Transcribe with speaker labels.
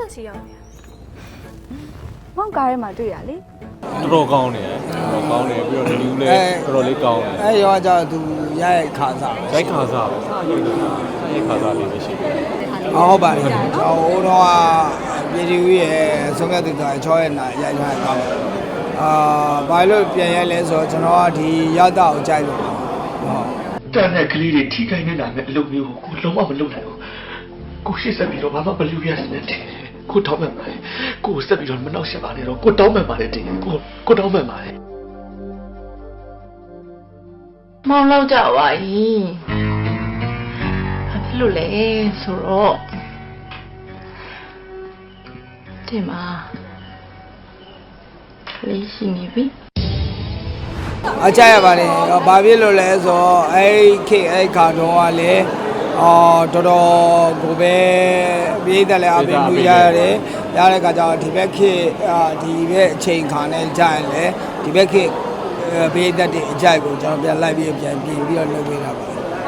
Speaker 1: ဆက်စီရောက်နေ
Speaker 2: မောင်ကားထဲမှာတွေ့ရလေ
Speaker 3: တော်ကောင်းနေတယ်တော်ကောင်းနေပြီးတော့ဒီလူလည်းတော်တော်လေးကောင်းတယ်
Speaker 4: အဲရောကျသူရရဲ့ခါစား
Speaker 3: ရိုက်ခါစားပဲစားရိုက်လို့စားရိုက်ခါစားလေးပဲရှိတယ်
Speaker 4: ဟုတ်ပါလေဟိုတော့ပြည်သူရဲ့ဆုံးဖြတ်သူက6ရက်နာရိုက်ထားတာဘာလို့ပြန်ရိုက်လဲဆိုတော့ကျွန်တော်ကဒီရတာကိုကြိုက်လို့ဟုတ်
Speaker 5: တန်တဲ့ကလေးတွေထိခိုက်နေတာနဲ့အလုပ်မျိုးကိုလုံးဝမလုပ်နိုင်ဘူးကိုရှေ့ဆက်ပြီးတော့ဘာမှမလုပ်ရစနဲ့တင်ကိုတောင်းမှန်ပါတယ်ကိုဆက်ပြီးတော့မနှောက်ရှက်ပါနဲ့တော့ကိုတောင်းမှန်ပါတယ်တင်ကိုတောင်းမှန်ပါတယ်
Speaker 6: မောင်လောက်ကြပါ၏ဘာဖြစ်လို့လဲဆိုတော့ဒီမှာလေးရှိနေပြီ
Speaker 4: အကြရပါလေဘာဖြစ်လို့လဲဆိုတော့အဲ့ခါတော့ကလေတော်တော်ကိုပဲပြည်သက်လည်းအပင်မှုရရတယ်ရတဲ့ခါကျတော့ဒီဘက်ခေဒီဘက်အချိန်ခါနဲ့ကြာရင်လေဒီဘက်ခေပြည်သက်တဲ့အကြိုက်ကိုကျွန်တော်ပြန်လိုက်ပြီးပြန်ပြင်ပြီးတော့လုပ်ပေးတာပါ